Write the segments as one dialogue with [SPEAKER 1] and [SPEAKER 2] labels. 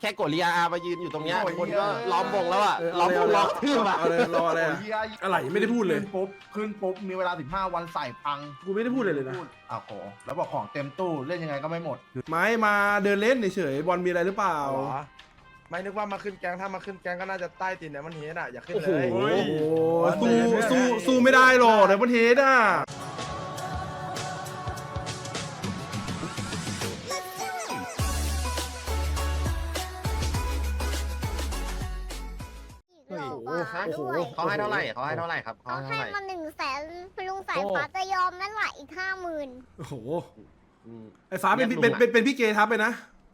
[SPEAKER 1] ค่โกริอามายืนอยู่ตรงเนี้ยคนก็ล้อมวงแล้วอ่ะล้อมวงล้อมทื่ออ่ะ
[SPEAKER 2] เอาเลยรออะไรอะอะไรไม่ได้พูดเลย
[SPEAKER 3] ขึ้นปุ๊บมีเวลา15 วันใส่พัง
[SPEAKER 2] กูไม่ได้พูดเลยนะ
[SPEAKER 3] อ้าวโหแล้วบอกของเต็มตู้เล่นยังไงก็ไม่หมด
[SPEAKER 2] ไม่มาเดินเล่นเฉยๆบอลมีอะไรหรือเปล่า
[SPEAKER 4] เหรอไม่นึกว่ามาขึ้นแกงถ้ามาขึ้นแกงก็น่าจะใต้ตีนเนี่ยมันเฮดอ่ะอย่าขึ้น
[SPEAKER 2] โอ้
[SPEAKER 4] เล
[SPEAKER 2] โห
[SPEAKER 4] ย
[SPEAKER 2] สู้ไม่ได้หรอกเดี๋ยวมันเฮดอ่ะ
[SPEAKER 5] หลอก
[SPEAKER 2] โอ้
[SPEAKER 5] ว่า
[SPEAKER 2] โห
[SPEAKER 5] ด้วย
[SPEAKER 1] เขาให้เท่าไหร่เขาให้เท่าไหร่ครับเขา
[SPEAKER 5] เขา
[SPEAKER 1] ให้เท่า
[SPEAKER 5] ให้
[SPEAKER 1] ไหร่
[SPEAKER 5] มา100,000ลุงสายฟ้าจะยอมนั่นแหละอีก50,000
[SPEAKER 2] โอ้โห
[SPEAKER 1] อืม
[SPEAKER 2] ไอ้ฟ้าเป็นพี่เกทับไปนะ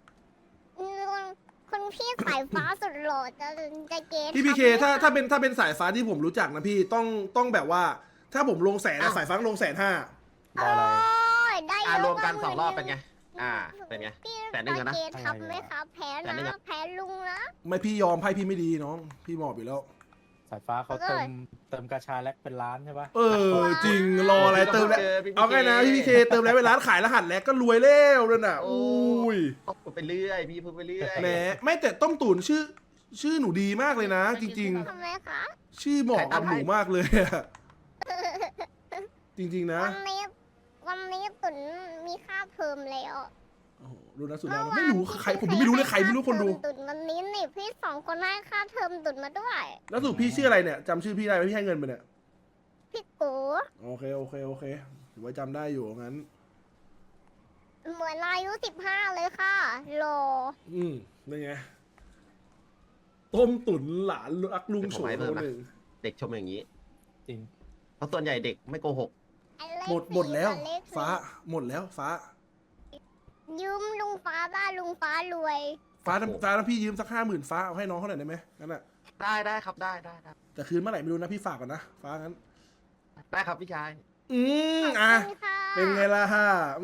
[SPEAKER 5] คุณพี่สายฟ้าสุดหล่อจะเกณฑ์
[SPEAKER 2] พี่พีเคถ้าเป็นสายฟ้าที่ผมรู้จักนะพี่ต้องแบบว่า ถ้าผมลงแสนอะสายฟ้าลง150,000
[SPEAKER 5] โอ้ยได้เยอะ
[SPEAKER 1] รวมกัน2 รอบเป็นไงเป็นไง
[SPEAKER 5] พี่
[SPEAKER 1] 100,000อะนะ
[SPEAKER 5] เกณฑ์ทับไหมครับแพ้
[SPEAKER 1] 100,000
[SPEAKER 5] นะแพ้ลุงนะ
[SPEAKER 2] ไม่พี่ยอมไพ่พี่ไม่ดีน้อง พี่หมอบอยู่แล้ว
[SPEAKER 6] สายฟ้าเขาเติมกาชาแลกเป็นล้านใช่ปะ
[SPEAKER 2] เออจริงรออะไรเติมแล้วเอาไงนะพี่พีเคเติมแล้วไปร้านขายรหัสแล้วก็รวยแล้วเลยน่ะอุ้ย
[SPEAKER 1] พูดไปเรื่อยพี่พูดไปเรื่อย
[SPEAKER 2] แหมไม่แต่ต้มตุ๋นชื่อหนูดีมากเลยนะ จริง
[SPEAKER 5] ทำไมคะ
[SPEAKER 2] ๆ ชื่อเหมาะกับหนูมากเลยอะจริงๆนะ
[SPEAKER 5] วันนี้ตุนมีค่าเพิ่มแล้ว
[SPEAKER 2] โอ้โหรู้นะสุดแล้วไม่รู้ใครผมยังไม่รู้เลยใครไม่รู้คนดู
[SPEAKER 5] ตุนวันนี้นี่พี่2 คนให้ค่าเทอมตุนมาด้วย
[SPEAKER 2] แล้วสรุดพี่ชื่ออะไรเนี่ยจำชื่อพี่ได้ไหมพี่ให้เงินไปเนี่ย
[SPEAKER 5] พี่กู
[SPEAKER 2] โอเคถือว่าจำได้อยู่งั้น
[SPEAKER 5] เหมือนอายุ15เลยค่ะโล
[SPEAKER 2] นี่ไงต้มตุ๋นหลานรักลุงโฉมคนหนึ่ง
[SPEAKER 1] เด็กชมอย่างนี้
[SPEAKER 6] จริง
[SPEAKER 1] เพราะส่วนใหญ่เด็กไม่โกหก
[SPEAKER 2] หมดแล้ว ฟ้าหมดแล้วฟ้า
[SPEAKER 5] ยืมลุงฟ้าได้ลุงฟ้ารวย
[SPEAKER 2] ฟ้าถ้าพี่ยืมสัก50,000ฟ้าเอาให้น้องเขาหน่อยได้ไหมงั้นอ่ะ
[SPEAKER 1] ได้ครับได้
[SPEAKER 2] แต่คืนเมื่อไหร่ไม่รู้นะพี่ฝากก่อนนะฟ้างั้น
[SPEAKER 1] ได้ครับพี่ชาย
[SPEAKER 2] อ่ะ
[SPEAKER 5] ขอบคุณค่ะ
[SPEAKER 2] เป็นไงล่ะฮะ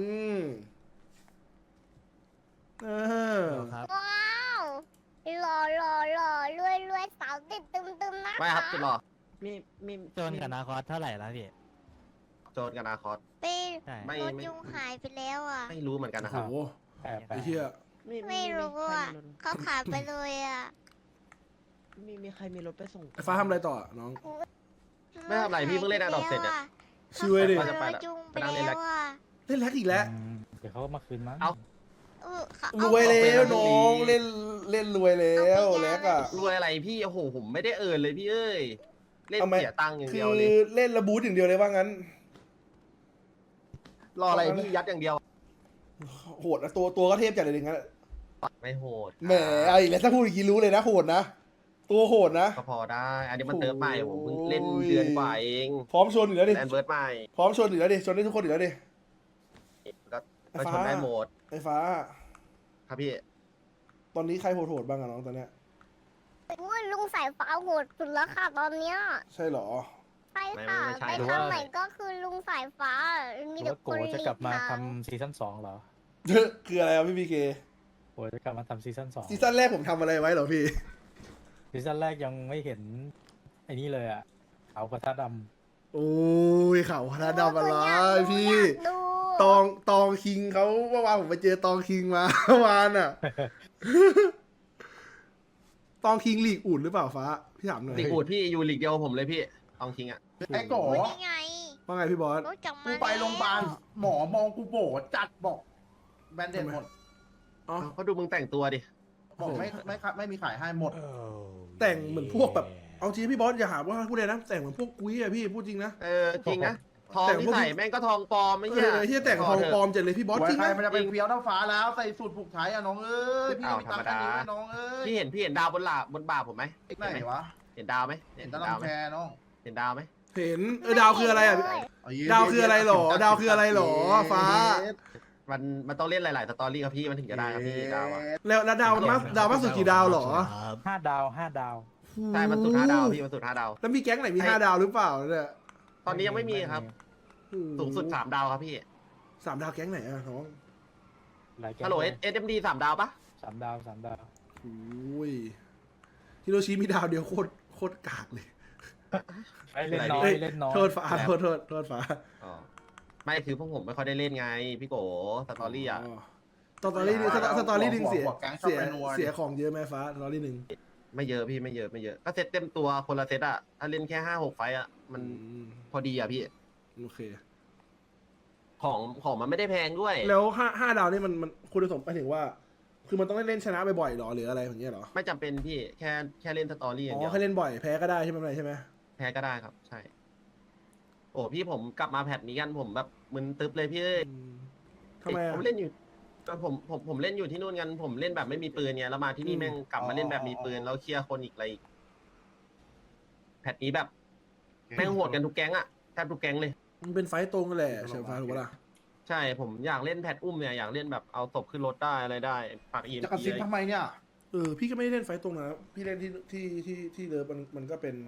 [SPEAKER 2] เออ
[SPEAKER 6] ครับ
[SPEAKER 5] ว้าวหล่อรวยสาวติดตึมๆนะคะ
[SPEAKER 1] ไม่ครับจุดหล่อมี
[SPEAKER 6] จนกับนาคอสเท่าไหร่แล้วพี่
[SPEAKER 1] โจนกับนาคอส
[SPEAKER 5] ไป
[SPEAKER 6] ใช่
[SPEAKER 1] ไม่
[SPEAKER 5] รถยุงหายไปแล้วอ่ะ
[SPEAKER 1] ไม่รู้เหมือนกันนะค
[SPEAKER 2] โอ้
[SPEAKER 1] รับ
[SPEAKER 2] โห
[SPEAKER 6] แปลก
[SPEAKER 2] ไอ้เหี้ย
[SPEAKER 5] ไม่รู้อ่ะเขาขายไปเลยอ่ะ
[SPEAKER 7] มีใครมีรถไปส่ง
[SPEAKER 2] ไอ้ฟ้าทำอะไรต่อน้อง
[SPEAKER 1] ไม่ทำอะไรพี่เพิ่งเล่นAdopt เสร็จอะ
[SPEAKER 2] ช่วยดิ
[SPEAKER 1] ว่าจะไป
[SPEAKER 5] ร
[SPEAKER 1] ละ
[SPEAKER 5] ถยุงไป
[SPEAKER 1] ไปนั่งเล่น
[SPEAKER 5] แล้
[SPEAKER 1] แล้ว
[SPEAKER 5] วอ่ะ
[SPEAKER 2] เล่นแล็กอีกแล้ว
[SPEAKER 6] เดี๋ยวเขาก็มาคืนมั้ง
[SPEAKER 1] เอา
[SPEAKER 2] รวยแล้วน้องเล่นรวยแล้วแล็กอ่ะ
[SPEAKER 1] รวยอะไรพี่โอ้โหผมไม่ได้เอินเลยพี่เอ้ยเล่น
[SPEAKER 2] เอาไหม
[SPEAKER 1] เสียตังค์อย่าง
[SPEAKER 2] คื
[SPEAKER 1] เดี
[SPEAKER 2] อ
[SPEAKER 1] ยวเลย
[SPEAKER 2] เล่นระบูทอย่างเดียวเลยว่างั้น
[SPEAKER 1] รออะไรพี่ยัดอย่างเดียว
[SPEAKER 2] โหดนะตัวก็เทพจัดเลยอย่างนั้น
[SPEAKER 1] ไม่โหด
[SPEAKER 2] แหมเอาอีกแล้วถ้าพูดอย่างนี้รู้เลยนะโหดนะตัวโหดนะ
[SPEAKER 1] ก็พอได้ อันนี้มันเติมใหม่ผมเพิ่งเล่นเดือนกว่าเอง
[SPEAKER 2] พร้อมชนอยู่แล้วดิ
[SPEAKER 1] แอนเบิร์ดใหม่
[SPEAKER 2] พร้อมชนอยู่แล้วดิชนได้ทุกคนอยู่แล้วดิ
[SPEAKER 1] ก็ชนได้หมด
[SPEAKER 2] ไอ้ฟ้า
[SPEAKER 1] ครับพี่
[SPEAKER 2] ตอนนี้ใครโหดๆบ้างอะน้องตอนเนี้ย
[SPEAKER 5] โอ้ยลุงสายฟ้าโหดสุดแล้วค่ะตอนเนี้ย
[SPEAKER 2] ใช่เหรอ
[SPEAKER 5] ใช่ค่ะไปทางไหนก็คือลุงสายฟ้า
[SPEAKER 6] ห
[SPEAKER 5] มี
[SPEAKER 6] รือ
[SPEAKER 5] แต่
[SPEAKER 6] ว่า
[SPEAKER 5] ค
[SPEAKER 6] โก
[SPEAKER 5] นหลี
[SPEAKER 6] จะ
[SPEAKER 5] ก
[SPEAKER 6] กลับมา
[SPEAKER 5] ทาง
[SPEAKER 6] ทำซีซั่น2เหรอ
[SPEAKER 2] คืออะไรอ่ะพี่พีเค
[SPEAKER 6] โกจะกลับมาทำซีซั่น2
[SPEAKER 2] ซีซั่นแรกผมทำอะไรไว้เหรอพี่
[SPEAKER 6] ซีซั่นแรกยังไม่เห็นไอ้นี่เลยอ่ะเขากระทะด
[SPEAKER 2] โอ้ยเขาคณะดำอะไรพี่
[SPEAKER 5] อยากดู
[SPEAKER 2] ตองคิงเขาเมื่อวานผมไปเจอตองคิงมา เมื่อวานอ่ะ ตองคิงลีกอุ่นหรือเปล่าฟ้าพี่ถามหน่อย
[SPEAKER 1] ลีกอูดพี่อยู่ลีกเดียวกับผมเลยพี่ตองคิงอ่ะ
[SPEAKER 3] ไอ้โก
[SPEAKER 5] โอ้ยนี่ไง
[SPEAKER 2] ว่าไงพี่บอส
[SPEAKER 5] รู้จักมา
[SPEAKER 3] กูไปโรงพยาบาลหมอมองกูโบจัดบอกแบนเด็ดหมด
[SPEAKER 2] อ๋อ
[SPEAKER 1] เขาดูมึงแต่งตัวดิ
[SPEAKER 3] บอกไม่มีขายให้หมด
[SPEAKER 2] แต่งเหมือนพวกแบบเอาจริงพี่บอสอย่าหาว่าพูดเลยนะแต่งเหมือนพวกกุ้ยอะพี่พูดจริงนะ
[SPEAKER 1] จริงนะทอง
[SPEAKER 2] แต่
[SPEAKER 1] ที่
[SPEAKER 2] พวก
[SPEAKER 1] ใส่แม่งก็ทองปลอมไม่
[SPEAKER 2] เอ
[SPEAKER 1] ใช่
[SPEAKER 2] อที่แต่งทองปลอมจัดเลยพี่บอส
[SPEAKER 3] ไว้
[SPEAKER 2] จริง
[SPEAKER 3] ใคร
[SPEAKER 2] นะ
[SPEAKER 3] มันจะเป็นเฟี้ยวเท่าฟ้าแล้วใส่สูตรผูกไทยอ่ะน้องเอ้ยพี่มีตังค์แค่นี้ไหมน้องเอ้ย
[SPEAKER 1] พี่เห็นดาวบนบ่าผมไหม
[SPEAKER 3] ไหนวะ
[SPEAKER 1] เห็นดาวไหม
[SPEAKER 3] เห็นแตะลำแพรน้อง
[SPEAKER 1] เห็นดาวไหม
[SPEAKER 2] เห็นดาวคืออะไรอ่ะดาวคืออะไรหรอดาวคืออะไรหรอฟ้า
[SPEAKER 1] มันต้องเล่นหลายๆสตอรี่ครับพี่มันถึงจะได้ครับพี่ดาวอะ
[SPEAKER 2] แล้วดาวมากสุดกี่ดาวหรอ
[SPEAKER 6] ำ5 ดาว 5 ดาว
[SPEAKER 1] ใช่มันสุด5 ดาวพี่มันสุด5 ดาว
[SPEAKER 2] แล้วมีแก๊งไหนมี5 ดาวหรือเปล่าเนี่ย
[SPEAKER 1] ตอนนี้ยังไม่มีครับ สูงสุด3 ดาวครับพี่
[SPEAKER 2] 3 ดาวแก๊งไหนอะน้อง
[SPEAKER 6] หลายแก๊ง
[SPEAKER 1] ฮัลโหลSMD 3 ดาวปะ
[SPEAKER 6] 3 ดาว 3 ดาว
[SPEAKER 2] โอ้ยฮิโรชิมีดาวเดียวโคตรกากเลย
[SPEAKER 6] เล่นน้อย
[SPEAKER 2] เฮ้ย
[SPEAKER 6] เล่นน้อย
[SPEAKER 2] โทษฟ้าโทษฟ้า
[SPEAKER 1] อ๋อไม่คือพวกผมไม่ค่อยได้เล่นไงพี่โกสตอรี่อ่ะ
[SPEAKER 2] ตตอรี่หนึ่งสตอรี่หนึ่งเสีย
[SPEAKER 3] หัวแก๊งชอบ
[SPEAKER 2] เสีย
[SPEAKER 3] ไปนัว
[SPEAKER 2] เสียของเยอะไหมฟ้าสตอรี่หนึ่ง
[SPEAKER 1] ไม่เยอะพี่ไม่เยอะไม่เยอะก็เซตเต็มตัวคนละเซตอะถ้าเล่นแค่5-6 ไฟต์อะมันพอดีอะพี่
[SPEAKER 2] โอเค
[SPEAKER 1] ของมันไม่ได้แพงด้วย
[SPEAKER 2] แล้วห้าดาวนี่มันคุณสมหมายถึงว่า คือมันต้องเล่นชนะบ่อยๆหรอหรืออะไรอย่างเงี้ยหรอ
[SPEAKER 1] ไม่จำเป็นพี่แค่เล่นสตอรี่อย่าง
[SPEAKER 2] อ๋
[SPEAKER 1] เดี
[SPEAKER 2] อ
[SPEAKER 1] ยว
[SPEAKER 2] แค่เล่นบ่อยแพ้ก็ได้ใช่ไหมใช่ไหม
[SPEAKER 1] แพ้ก็ได้ครับ ใช่ โอ้พี่ผมกลับมาแพทนี้กันผมแบบมึนตึ๊บเลยพี่เอ้ย
[SPEAKER 2] ทำไม
[SPEAKER 1] ผม
[SPEAKER 2] อ่ะ
[SPEAKER 1] เล่นอยู่ผมเล่นอยู่ที่นู่นกันผมเล่นแบบไม่มีปืนเนี่ยแล้วมาที่นี่แม่งกลับมาเล่นแบบมีปืนแล้วเคลียร์คนอีกอะไรอีกแพทนี้แบบแม่งโหดกันทุกแก๊งอะแทบทุกแก๊งเลย
[SPEAKER 2] มันเป็นไฟต์ตรงกันแหละเฉินฟ้าถูกปะล่ะ
[SPEAKER 1] ใช่ผมอยากเล่นแพทอุ้มเนี่ยอยากเล่นแบบเอาศพขึ้นรถได้อะไรได้ปากอี
[SPEAKER 3] จะกระซิบทำไมเนี่ย
[SPEAKER 2] พี่ก็ไม่ได้เล่นไฟต์ตรงนะพี่เล่นที่เลิฟมันก็เป็น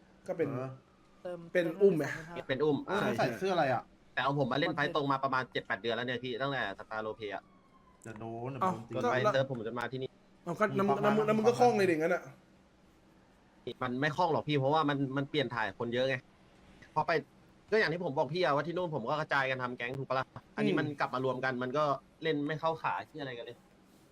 [SPEAKER 2] เป็นอุ้มไหม
[SPEAKER 1] เป็นอุ้ม
[SPEAKER 3] ใส่เสื้ออะไรอ่ะ
[SPEAKER 1] แต่เอาผมมาเล่นไฟต์ตรงมาประมาณ 7-8 เดือนแล้วเนี่ยพี่ตั้งแต่สตาร์โลเพีย
[SPEAKER 3] จะโดน
[SPEAKER 1] จนไปเซิร์ฟผมจนมาที่นี่
[SPEAKER 2] เอาก็น้ำมึงก็คล่องเลยเด็กงั้นอ่ะ
[SPEAKER 1] มันไม่คล่องหรอกพี่เพราะว่ามันเปลี่ยนถ่ายคนเยอะไงพอไปก็อย่างที่ผมบอกพี่อะว่าที่นู่นผมก็กระจายกันทำแก๊งถูกปะล่ะอันนี้มันกลับมารวมกันมันก็เล่นไม่เข้าขาที่อะไรกันเลย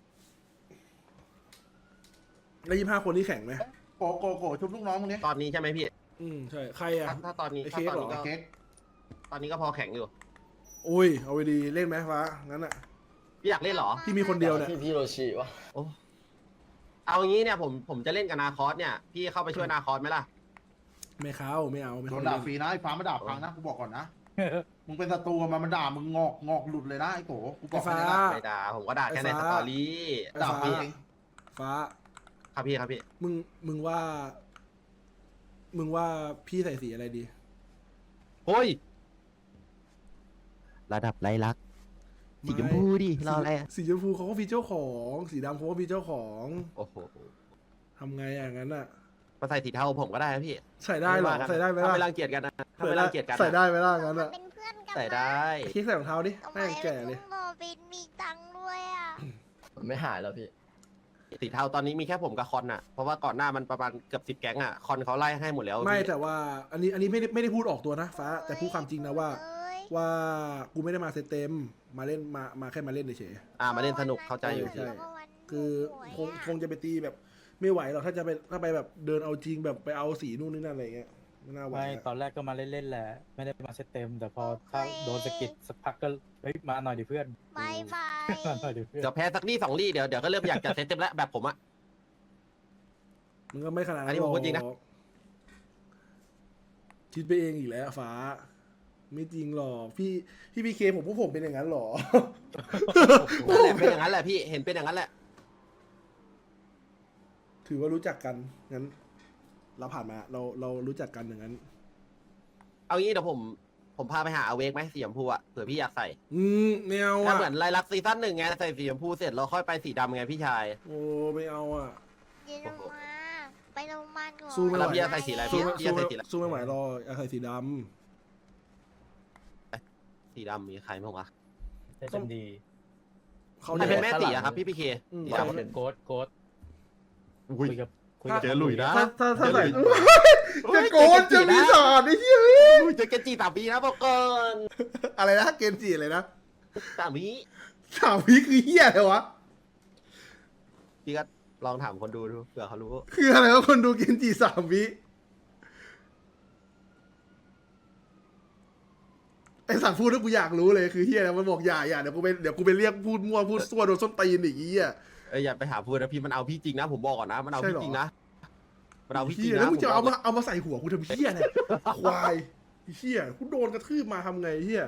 [SPEAKER 2] แล้ว25 คนที่แข่งไหม
[SPEAKER 3] โกชุบลูกน้องมึงเนี่ย
[SPEAKER 1] ตอนนี้ใช่ไหมพี่
[SPEAKER 2] ใช่ใครอ่ะ
[SPEAKER 1] ถ้าตอนนี้
[SPEAKER 2] ไอ้
[SPEAKER 1] ถ้า
[SPEAKER 2] เค้ก
[SPEAKER 1] ตอน
[SPEAKER 2] เหรอ
[SPEAKER 1] นี้ก็
[SPEAKER 3] เค้ก
[SPEAKER 1] ตอนนี้ก็พอแข็งอยู่
[SPEAKER 2] โอ้ยเอาไปดีเล่นไหมฟ้างั้นอ่ะ
[SPEAKER 1] พี่อยากเล่นเหรอ
[SPEAKER 2] พี่มีคนเดียวเนี่ย
[SPEAKER 8] พี่โรชิวะ
[SPEAKER 1] โอ้เอางี้เนี่ยผมจะเล่นกับนาคอสเนี่ยพี่เข้าไปช่วยนาคอสไหมล่ะ
[SPEAKER 2] ไม่เข้าไม่เอา
[SPEAKER 3] โดนด่าฟรีนะไอ้ฟ้ามาด่าพังนะกูบอกก่อนนะมึงเป็นศัตรูมันด่ามึงงอกหลุดเลยนะไอ้โกกูบอก
[SPEAKER 2] ฟ้า
[SPEAKER 3] เลยนะ
[SPEAKER 1] ไม่ด่าผมก็ด่าแค่ในสตอรี่
[SPEAKER 3] ด่าฟรีเอง
[SPEAKER 2] ฟ้า
[SPEAKER 1] ครับพี่ครับพี่
[SPEAKER 2] มึงว่าพี่ใส่สีอะไรดี
[SPEAKER 1] โอ้ยระดับไรลักสีชมพูดิรออะไรอะ
[SPEAKER 2] สีชมพูเขาก็มีเจ้าของสีดำเขาก็มีเจ้าของ
[SPEAKER 1] โอ้โห
[SPEAKER 2] ทำไงอย่างนั้นอ่ะ
[SPEAKER 1] มาใส่สีเทาผมก็ได้นะพี่
[SPEAKER 2] ใส่ได้เหรอใส่ได้ไหม
[SPEAKER 1] ถ้า
[SPEAKER 2] ล่ะ
[SPEAKER 1] ไม่รังเกียจกันนะถ้าไม่รังเกียจกันนะ
[SPEAKER 2] ใส่ได้ไหมล่ะงั้นอ่ะ
[SPEAKER 5] เป็นเพื่อนกัน
[SPEAKER 1] ใส่ได้
[SPEAKER 2] คลิกใส่รองเท้าดิ
[SPEAKER 5] ทำไม
[SPEAKER 2] แม่งแก่เลย
[SPEAKER 5] ลุงโรบินมีตังค์ด้วยอ่ะ
[SPEAKER 8] มันไม่หายแล้วพี่
[SPEAKER 1] สีเทาตอนนี้มีแค่ผมกับคอนน่ะเพราะว่าก่อนหน้ามันประมาณเกือบ10 แก๊งอ่ะคอนเขาไล่ให้หมดแล้ว
[SPEAKER 2] ไม่
[SPEAKER 1] พี่
[SPEAKER 2] แต่ว่าอันนี้ไม่ได้พูดออกตัวนะฟ้าแต่พูดความจริงนะว่า
[SPEAKER 5] เอ้ย
[SPEAKER 2] ว่ากูไม่ได้มาเซตเต็มมาเล่นมาแค่มาเล่นเฉย
[SPEAKER 1] มาเล่นสนุกเข้าใจอยู่
[SPEAKER 2] ใช่
[SPEAKER 1] พี่
[SPEAKER 5] แล้วก็วัน
[SPEAKER 2] ๆคือ
[SPEAKER 5] หวยอะ
[SPEAKER 2] คงจะไปตีแบบ ไม่ไหวหรอกถ้าไปแบบเดินเอาจริงแบบไปเอาสีนู่นนี่นั่นอะไรเงี้ยไม่น่าไหว
[SPEAKER 6] ไม่
[SPEAKER 2] อะ
[SPEAKER 6] ตอนแรกก็มาเล่นๆแหละ ไม่ได้มาเซตเต็ม แต่พอถ้าโดนสะกิดสักพักก็เฮ้ยมาหน่อยดิเพื่อน
[SPEAKER 5] บายบาย
[SPEAKER 6] มาหน่อยดิเพื่อน
[SPEAKER 1] เดี๋ยวแพ้สักนี่2 ลี่เดี๋ยวก็เริ่มอยากจะเซตเต็มแล้วแบบผมอ่ะ
[SPEAKER 2] มันก็ไม่ขนาด
[SPEAKER 1] อั
[SPEAKER 2] นั้น น
[SPEAKER 1] นี้ผมพูดจริงนะ
[SPEAKER 2] หอกคิดไปเองอีกแล้วฟ้า ไม่จริงหรอกพี่พีเคผมพวกผมเป็นอย่างนั้นหรอ
[SPEAKER 1] นั่นแหละเป็นอย่างนั้นแหละพี่เห็นเป็นอย่างนั้นแหละ
[SPEAKER 2] ถือว่ารู้จักกันงั้น เราผ่านมาเรารู้จักกันอย่างนั้น
[SPEAKER 1] เอางี้เดี๋ยวผมพาไปหาอเวกไหมสีชมพูอ่ะเผื่อพี่อยากใส่
[SPEAKER 2] ไม่เอา
[SPEAKER 1] ถ้า
[SPEAKER 2] อ่ะ
[SPEAKER 1] เหมือนไลลักซีซั่น1ไงใส่สีชมพูเสร็จเราค่อยไปสีดำไงพี่ชาย
[SPEAKER 2] โอ้ไม่เอาอ่ะ
[SPEAKER 5] เดี๋ยวลงมาไปโรงพยาบาลก่อน
[SPEAKER 2] สู้ไม่ไหว
[SPEAKER 1] แล้วพี่จะใส่สีอะไร
[SPEAKER 2] สู้
[SPEAKER 1] พี่จะใส่สีอะไร
[SPEAKER 2] สู้ไม่ไหวรออยากใส่สีด
[SPEAKER 1] สีดำมีใครบ้างวะ
[SPEAKER 6] ได้จนดี
[SPEAKER 2] ำเขา
[SPEAKER 1] ใคร
[SPEAKER 2] เนี่ย
[SPEAKER 1] เป็นแม่สีอะครับพี่พีเค
[SPEAKER 2] อืม
[SPEAKER 1] สี
[SPEAKER 6] โก
[SPEAKER 1] ดำ
[SPEAKER 6] ดโกดโกด
[SPEAKER 1] อุ้ย
[SPEAKER 6] คุยกับ
[SPEAKER 1] เจอหลุยนะ
[SPEAKER 2] ถ้าใส่
[SPEAKER 1] เดี๋ยว
[SPEAKER 2] จะโกนจะมีสารไอ้เหี้ย
[SPEAKER 1] อุ้ยเจอเกนจิ3 ปีนะบอกก่อน
[SPEAKER 2] อะไรนะเกมจีอะไรนะ
[SPEAKER 1] 3 ปี
[SPEAKER 2] 3 วิคือเหี้ยอะไรวะ
[SPEAKER 1] พี่ก็ลองถามคนดูเผื่อเขารู้
[SPEAKER 2] คืออะไรวะคนดูเกมจี3 วิไอสัตว์พูดแล้วกูอยากรู้เลยคือเหี้ยอะไรมันบอกอย่าเดี๋ยวกูไปเรียกพูดมั่วพูดซั่วโดนส้นตีนอีกเหี้ย
[SPEAKER 1] อย่าไปหาพูดนะพี่มันเอาพี่จริงนะผมบอกก่อนนะมันเอา
[SPEAKER 2] ใช่
[SPEAKER 1] พี่
[SPEAKER 2] เหรอ
[SPEAKER 1] จริงนะมันเอาพี่จริ
[SPEAKER 2] เหี้
[SPEAKER 1] ง
[SPEAKER 2] ย
[SPEAKER 1] นะ
[SPEAKER 2] แล้วมึงจะ
[SPEAKER 1] ผ
[SPEAKER 2] เอา
[SPEAKER 1] บก
[SPEAKER 2] มาใส่หัวกูทำเหี้ยเนี่ยควายไอ้เหี้ยกูโดนกระทืบมาทำไงเหี้ย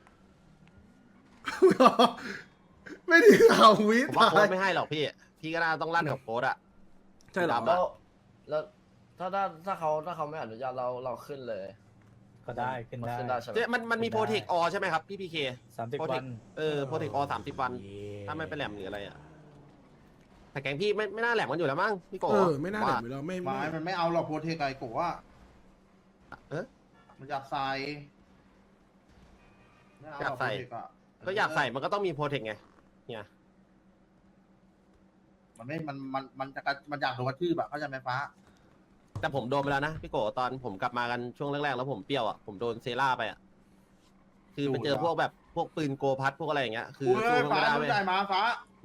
[SPEAKER 2] ไม่ได้3 วิ
[SPEAKER 1] ผมว่า
[SPEAKER 2] ตา
[SPEAKER 1] โค้
[SPEAKER 2] ย
[SPEAKER 1] ดไม่ให้หรอกพี่ก็น่าต้องลั่นกับโค้ดอะ
[SPEAKER 2] ใช่เหรอ
[SPEAKER 1] ดำ
[SPEAKER 8] แล้วถ้าเขาไม่อนุญาตเราขึ้นเลย
[SPEAKER 6] ก็ได้ขึ้น
[SPEAKER 8] มัน
[SPEAKER 6] ได้
[SPEAKER 8] ขึ้นได้ใช่ไหม
[SPEAKER 1] มันมีโปรเทคออใช่ไหมครับพี่พีเค
[SPEAKER 6] 30 วัน
[SPEAKER 1] โปรเทคออ30 วัน ถ้าไม่ไปแหลมหรืออะไรอะแต่แกงพี่ไม่น่าแหลมกันอยู่แล้วมั้งพี่โก
[SPEAKER 2] ไม่น่าแหลมอยู่แล้วไม่
[SPEAKER 3] ไม้มันไม่เอาหรอกโปรเทคไอ้โกะ
[SPEAKER 1] เอ๊ะ
[SPEAKER 3] มันอยากใส่ไม่เหร
[SPEAKER 1] อยากใส่
[SPEAKER 3] โปรเทคอะ
[SPEAKER 1] ก็อยากใส่มันก็ต้องมีโปรเทคไงเนี่ย
[SPEAKER 3] มันไม่มันอยากโดนกระทืบแบบเข้าใจไหมฟ้า
[SPEAKER 1] แต่ผมโดนไปแล้วนะพี่โกตอนผมกลับมากันช่วงแรกๆแล้วผมเปรี้ยวอ่ะผมโดนเซล่าไปอ่ะคือไปเจอพวกแบบพวกปืนโกพัดพวกอะไรอย่างเงี้ยคือ
[SPEAKER 3] กูเอ้
[SPEAKER 1] สู้
[SPEAKER 3] ย
[SPEAKER 1] มัน
[SPEAKER 3] ฟ้า
[SPEAKER 1] ไม่ได้
[SPEAKER 3] รู้
[SPEAKER 1] เว้ย
[SPEAKER 3] ใจมาฟ้า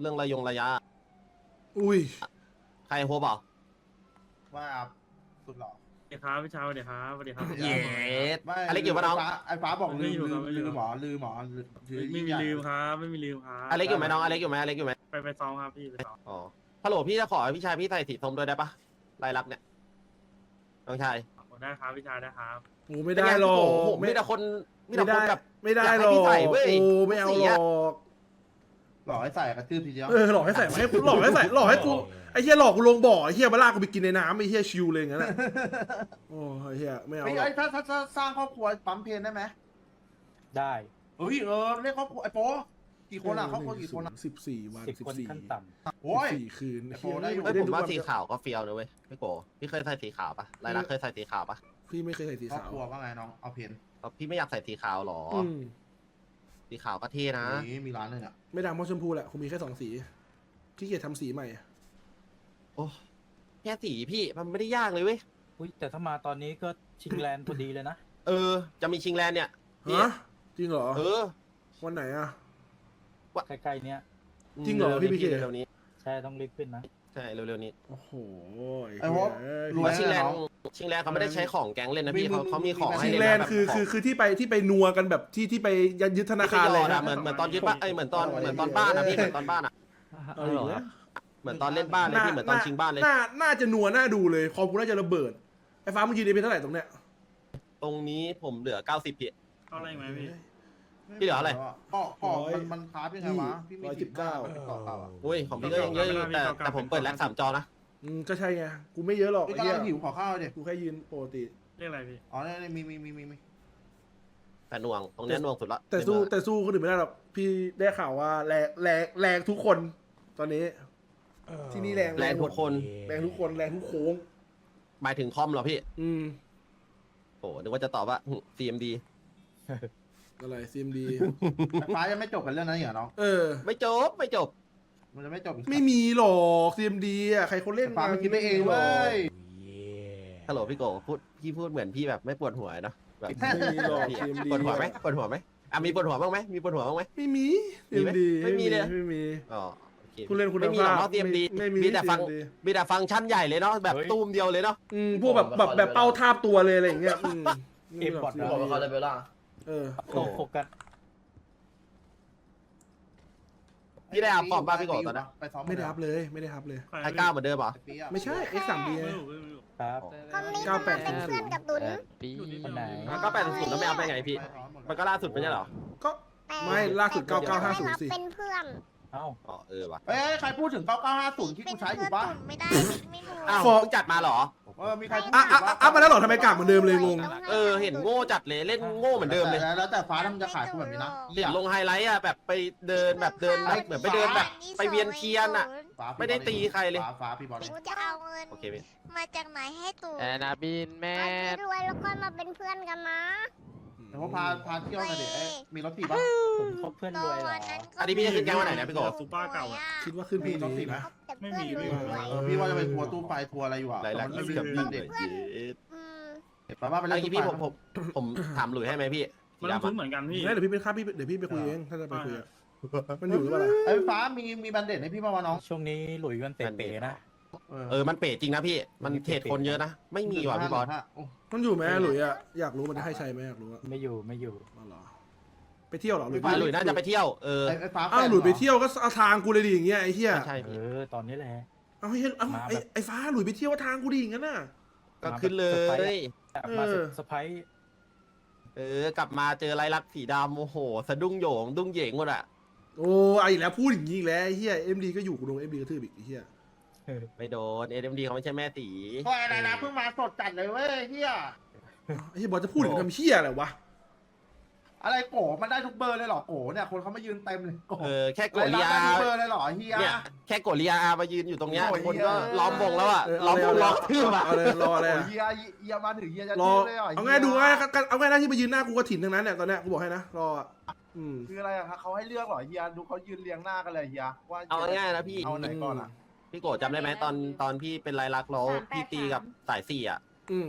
[SPEAKER 1] เรื่องระยะ
[SPEAKER 2] อุ้ย
[SPEAKER 1] ใครโฮเปล่า
[SPEAKER 3] ว่าสุดหล่อ
[SPEAKER 9] สวัสดีครับพี่เช้าสวัสดีครับสวัสดีครับ
[SPEAKER 1] เย็ด
[SPEAKER 3] ไม่
[SPEAKER 1] อะไรเกี่ยวกับน้อง
[SPEAKER 3] ไอ้ฟ้าบอกลื
[SPEAKER 9] ไม่
[SPEAKER 3] ม
[SPEAKER 9] อยู่ครับไม่อยู่
[SPEAKER 3] ลืมหมอลืมหมอ
[SPEAKER 9] ไม่มีลืมครับไม่มีลืมครับ
[SPEAKER 1] อเล็กอยู่ไหมน้องอเล็กอยู่ไหมอเล็กอยู่ไหม
[SPEAKER 9] ไปซ้อมครับพี่ไปซ้อม
[SPEAKER 1] อ๋อฮัลโหลพี่จะขอให้พี่ชายพี่ใส่สีส้มด้วยได้ปะลายลักษณ์เนี่ยน้องชาย
[SPEAKER 9] ได้ครับพี่ชายได้ครับ
[SPEAKER 2] โอ้ไม่ได้หรอก
[SPEAKER 1] โอ้โหมีแต่คนมีแต่
[SPEAKER 2] ไม่
[SPEAKER 1] ค
[SPEAKER 2] ได้
[SPEAKER 1] นแบบ
[SPEAKER 2] ไม่ได้
[SPEAKER 1] อยาก
[SPEAKER 2] หร
[SPEAKER 1] ให้
[SPEAKER 2] อ
[SPEAKER 1] พี่
[SPEAKER 2] ก
[SPEAKER 1] ใส่เว้ย
[SPEAKER 2] โอ้ไม่เอา
[SPEAKER 1] สี
[SPEAKER 2] หร
[SPEAKER 1] อะ
[SPEAKER 2] อก
[SPEAKER 3] หล่อให้ใส่กระทืบทีเดียว
[SPEAKER 2] หลอกให้ใส่มาให้หลอกให้ใส่หลอกให้กูไอ้เหี้ยหลอกกูลงบ่อไอ้เหี้ยมาลากกูไปกินในน้ำไอ้เหี้ยชิวเลยอย่างนั้นอะโอ้ไอ้เหี้ยไม่เอา
[SPEAKER 3] ไอ้
[SPEAKER 2] หรอก
[SPEAKER 3] ไอ้ถ้าสร้างครอบครัวปั๊มเพลนได้ไหม
[SPEAKER 6] ได้
[SPEAKER 3] เฮ้ยเรียกครอบครัวไอ้โปกี่คนอ่ะครอบครัวกี่คนอ่ะ
[SPEAKER 2] 14 วัน
[SPEAKER 6] 10 คนขั้นต่ำ
[SPEAKER 3] โอ้ย
[SPEAKER 2] 14 คืน
[SPEAKER 3] ไอ้โปได้อยู่
[SPEAKER 1] เฮ้ยผมว่า
[SPEAKER 2] ทุกน
[SPEAKER 1] สีขาวก็เฟี้ยวนะเว้ยพี่โกพี่เคยใส่สีขาวปะลายลักษณ์เคยใส่สีขาวปะ
[SPEAKER 2] พี่ไม่เคยใส่สี
[SPEAKER 3] ครอบ
[SPEAKER 2] ขาว
[SPEAKER 3] ครัวว่าไงน้องเอาเพน
[SPEAKER 1] พี่ไม่อยากใส่สีขาวหรอ
[SPEAKER 2] ม
[SPEAKER 1] สีขาวก็เท่นะ
[SPEAKER 3] นี่มีร้านเลยอ่ะ
[SPEAKER 2] ไม่ดำเพราะชมพูแหละคงมีแค่2 สีขี้เกียจทำสีใหม่อะ
[SPEAKER 1] โอ้แค่สีพี่มันไม่ได้ยากเลยเว้ย
[SPEAKER 6] อุ้ยแต่ถ้ามาตอนนี้ก็ชิงแลนด์พอดีเลยนะ
[SPEAKER 1] จะมีชิงแลนด์เนี่ยพี่
[SPEAKER 2] ฮะจริงเหรอ วันไหนอะ
[SPEAKER 6] ใกล้ๆเนี้ย
[SPEAKER 2] จริงเหรอพี่พีเค
[SPEAKER 1] เร็วๆนี้
[SPEAKER 6] ใช่ต้องรีบขึ้นนะ
[SPEAKER 1] ใช่เร็วๆนี้
[SPEAKER 2] โอ้โห
[SPEAKER 3] ไอ้โปรวย
[SPEAKER 1] ว่าชิงแลน
[SPEAKER 3] น้
[SPEAKER 1] ด์
[SPEAKER 3] อง
[SPEAKER 1] ชิงแลนด์เขาไม่ได้ใช้ของแก๊งเล่นนะพี่
[SPEAKER 3] มี
[SPEAKER 1] เขามีของให้
[SPEAKER 2] ชิง
[SPEAKER 1] เล่น
[SPEAKER 2] แลน
[SPEAKER 1] นะ
[SPEAKER 2] ด์คือ
[SPEAKER 1] แบบ
[SPEAKER 2] คือที่ไปนัวกันแบบที่ไปยึดธนาคาร
[SPEAKER 1] เล
[SPEAKER 2] เลย ย
[SPEAKER 1] นะ
[SPEAKER 2] นะ
[SPEAKER 1] เหมือนตอนยึดบ้านเหมือนตอนบ้านนะพี่เหมือนตอนบ้านอะ
[SPEAKER 2] เอาอีกแล้ว
[SPEAKER 1] เหมือนตอนเล่นบ้านเลยพี่เหมือนตอนชิงบ้านเลย
[SPEAKER 2] น่าจะนัวน่าดูเลยคอมกูน่าจะระเบิดไอ้ฟ้ามึงยืนได้เป็นเท่าไหร่ตรงเนี้ย
[SPEAKER 1] ตรงนี้ผมเหลือ90พี่
[SPEAKER 9] เข้าอะไรไหมพี่
[SPEAKER 1] พี่เหลืออะไร
[SPEAKER 3] ก็มันคาร์บยังไงวะพี่มี119ต่อเก่าอ่ะ
[SPEAKER 1] อุ้ยของพี่ก็ยังเยอะอยู่แต่ผมเปิดแล็ก3 จอนะ
[SPEAKER 2] ก็ใช่ไงกูไม่เยอะหรอก
[SPEAKER 3] พี่
[SPEAKER 2] ไอ้
[SPEAKER 3] กำ
[SPEAKER 2] เหี้
[SPEAKER 3] ลั
[SPEAKER 2] ย
[SPEAKER 3] งหิวขอข้าวดิ
[SPEAKER 2] กูแค่ยืนปกติ
[SPEAKER 9] เรียกอะไรพี่
[SPEAKER 3] อ๋อนี่มี
[SPEAKER 1] แต่หน่วงตรงเนี้ยหน่วงสุดละ
[SPEAKER 2] แต่สู้คนอื่นไม่ได้หรอกพี่ได้ข่าวว่าแรงทุกคนตอนนี้ ที่นี่แรง
[SPEAKER 1] แรงทุกคน
[SPEAKER 2] แรงทุกคนแรงทุกโค้ง
[SPEAKER 1] หมายถึงคอมเหรอพี่
[SPEAKER 2] โ
[SPEAKER 1] โอ้นึกว่าจะตอบว่า CMD
[SPEAKER 2] อะไร CMD
[SPEAKER 3] ไฟฟ้ายังไม่จบกันเรื่องนั้นเหรอน้อง
[SPEAKER 1] ไม่จบ
[SPEAKER 3] มันจะไม่จบอีก
[SPEAKER 2] ไม่มีหรอก CMD อ่ะใครเขาเล่น
[SPEAKER 3] ไฟฟ้ามันคิดไปเองเว้ย
[SPEAKER 1] ฮัลโหลพี่โกพี่พูดเหมือนพี่แบบไม่ปวดหัวเนาะแบบ
[SPEAKER 2] ไม่มีหรอก
[SPEAKER 1] พี่
[SPEAKER 2] CMD
[SPEAKER 1] ปวดหัวไหมมีปวดหัวบ้างไหมมีปวดหัวบ้างไหม
[SPEAKER 2] ไม่มี
[SPEAKER 1] มีไหม
[SPEAKER 2] CMD
[SPEAKER 1] ไม่มีเลย
[SPEAKER 2] ไม่มี
[SPEAKER 1] อ๋อโอเค
[SPEAKER 2] คุณเล่นคุณ
[SPEAKER 1] ไม่มีหรอก
[SPEAKER 2] ภาพ
[SPEAKER 1] เนาะ CMD
[SPEAKER 2] ไม่มี
[SPEAKER 1] มีแต่ฟัง
[SPEAKER 2] CMD
[SPEAKER 1] มีแต่ฟังก์ชันใหญ่เลยเนาะแบบตูมเดียวเลยเนาะ
[SPEAKER 2] พวกแบบเป้าทาบตัวเลยอะไรอย่างเงี้ยไม่มีหรอก
[SPEAKER 8] พี่บอกว่าเขาเลยเบลล่า
[SPEAKER 6] โฟกัส
[SPEAKER 1] พี่ได้อัพฟอร์มบ้างพี่โกตอนนั้น
[SPEAKER 3] ไปซ้อม
[SPEAKER 2] ไม่ได้อัพเลยไม่ได้อัพเลย
[SPEAKER 1] ไอ้ก้าวเหมือนเดิมเหรอ
[SPEAKER 2] ไม่ใช่ X3D ไง
[SPEAKER 9] ไม่รู้ไม่รู้
[SPEAKER 6] ครับ
[SPEAKER 5] คนนี้เขามาเป็นเพื่อนกับตุน
[SPEAKER 6] คนไหน
[SPEAKER 1] ก็80แล้วไม่เอาไปไงพี่ มันก็ล่าสุดไม่ใช่เหรอ
[SPEAKER 2] ก็ ไม่ล่าสุด
[SPEAKER 5] แต่ตุน
[SPEAKER 2] 9950
[SPEAKER 5] ไม่รับ
[SPEAKER 2] สิ
[SPEAKER 5] เป็นเพื่อน
[SPEAKER 6] เอ้า
[SPEAKER 1] อ๋อว่ะ
[SPEAKER 3] เอ้ยใครพูดถึง 9950 ที่กูใช้อยู่ปะ
[SPEAKER 5] ไม่ได้ไม่รู้
[SPEAKER 1] อ้าว
[SPEAKER 2] ฟอร์ม
[SPEAKER 1] เพิ่งจัดมาเหรอ
[SPEAKER 3] มีใครพูด
[SPEAKER 2] อัพมาแล้วเหรอทำไมกากเหมือนเดิมเลยงง
[SPEAKER 1] เห็นโง่จัดเลยเล่นโง่เหมือนเดิมเลย
[SPEAKER 3] แล้วแต่ฟ้าทำจะขายกูแบบนี้นะ
[SPEAKER 1] เห็นลงไฮไลท์อ่ะแบบไปเดินแบบเดินเหมือนไปเดินแบบไปเวียนเทียนอ่ะ ไม่ได้ตีใครเลย
[SPEAKER 3] ฟ้าพี่บอล
[SPEAKER 5] กูจะเอาเงิน
[SPEAKER 1] โอเคพี่
[SPEAKER 5] มาจากไหนให้ตุน
[SPEAKER 10] แอนนาบินแม่
[SPEAKER 5] ตอนที่รวยแล้วก็มาเป็นเพื่อนกันนะ
[SPEAKER 3] แต่ว่าพาเที่ยวหน่อยดิมีรถถีบปะ
[SPEAKER 6] ผมคบเพื่อนรวยเหรอ
[SPEAKER 1] อันนี้พี่จะขึ้นแก๊งวันไหนนะพี่โก
[SPEAKER 9] ซูเปอร์เก่าอะ
[SPEAKER 2] คิดว่าขึ้น
[SPEAKER 3] มี
[SPEAKER 2] ปี
[SPEAKER 3] รถถี
[SPEAKER 2] นี้
[SPEAKER 3] บไหม
[SPEAKER 5] แต่เพื่อนรวย
[SPEAKER 3] พี่ว่าจะไปทัวร์ตู้ไฟทัวร์อะไรอยู่อ่ะ
[SPEAKER 1] ไลลัก
[SPEAKER 3] มัน
[SPEAKER 1] อี
[SPEAKER 3] ไม่
[SPEAKER 1] สกับ
[SPEAKER 3] มี
[SPEAKER 1] พี่
[SPEAKER 3] เด็ก
[SPEAKER 5] อืม
[SPEAKER 3] ป้าไป
[SPEAKER 1] อัน
[SPEAKER 3] เล่น
[SPEAKER 1] นี้
[SPEAKER 3] ตู้
[SPEAKER 1] พี่
[SPEAKER 3] ไฟ
[SPEAKER 1] ผมถามหลุยให้ไหมพี่
[SPEAKER 9] มันต้องซื้อเหมือนกันพี่
[SPEAKER 2] เดี๋ยวพี่เป็นค่าพี่เดี๋ยวพี่ไปคุยเองถ้าจะไปคุยอะมันอยู่หรือเปล่าล่ะ
[SPEAKER 3] ไอ้ฟ้ามีแบนเด็ดให้พี่ป่าวะน้อง
[SPEAKER 6] ช่วงนี้หลุยมันเป๋ๆนะ
[SPEAKER 1] มันเป๋จริงนะพี่ มันเทรดคนเยอะนะ ไม่มีว่ะพี่บอส
[SPEAKER 2] มันอยู่ไหมหลุยอะอยากรู้มันจะให้ใช้ไหมอยากรู้อะ
[SPEAKER 6] ไม่อยู่
[SPEAKER 2] อ๋อเหรอไปเที่ยวเหรอหลุย
[SPEAKER 1] หลุยน่าจะไปเที่ยว
[SPEAKER 3] ไอ้ฟ้า
[SPEAKER 2] อ้าวหลุยไปเที่ยวก็เอาทางกูเลยดิอย่างเงี้ยไอ้เหี้ย
[SPEAKER 1] ใช่พี่
[SPEAKER 6] ตอนนี้แหละ
[SPEAKER 2] เอาให้ไอ้ฟ้าหลุยไปเที่ยวทางกูดิอย่างนั้นน่ะ
[SPEAKER 1] ก็ขึ้นเลย
[SPEAKER 6] มาเซอร์ไพรส์
[SPEAKER 1] กลับมาเจอไรลักษณ์สีดำโอ้โหสะดุ้งโหยงดุ้งเหยงหมดอ่ะ
[SPEAKER 2] โอ้ไอ้แล้วพูดอย่างนี้อีกแล้วไอ้เหี้ยMDก็อยู่กูโดนMDกระทืบอีกไอ้เหี้ย
[SPEAKER 1] ไม่โดน SMD เขาไม่ใช่แม่ตี
[SPEAKER 3] ก็อะไรนะเพิ่งมาสดจัดเลยเว้ยเฮีย
[SPEAKER 2] ไอ้เหี้ยบอลจะพูดถึงทำเหี้ยอะไรวะ
[SPEAKER 3] อะไรโกมันได้ทุกเบอร์เลยหรอโกเนี่ยคนเขามายืนเต็มเลยโก
[SPEAKER 1] แค่ก
[SPEAKER 3] ไร
[SPEAKER 1] ดเรีย
[SPEAKER 3] ได้ทุกเบอร์เลยหรอเฮีย
[SPEAKER 1] เนี่ยแค่กดเรียมายืนอยู่ตรงเนี้ย
[SPEAKER 3] โอ้ย
[SPEAKER 1] คนก็
[SPEAKER 3] เหี้ย
[SPEAKER 1] ล้อมวงแล้วอ่ะล้อมวงล้อมทืบอ่ะ
[SPEAKER 2] เอาเลยรออะไรอะ
[SPEAKER 3] เฮียมาถึงเฮียจะ
[SPEAKER 2] รอ
[SPEAKER 3] ยืนเลยหรอ
[SPEAKER 2] เอาง่ายดูง่ายเอาง่ายนะที่ไปยืนหน้ากูก็ถิ่นทั้งนั้นเนี่ยตอนเนี้ยกูบอกให้นะรออะ
[SPEAKER 3] คืออะไรอะเขาให้เลือกหรอเฮียดูเขายืนเรียงหน้ากันเลยเฮียว่า
[SPEAKER 1] เอาง่ายๆนะพี่
[SPEAKER 3] เอาไหนก่อนอ่ะ
[SPEAKER 1] พี่โกรธจำได้ไหมตอนพี่เป็นไรลักษณ์แล้วพี่ตีกับสายสี่อ่ะ
[SPEAKER 2] อืม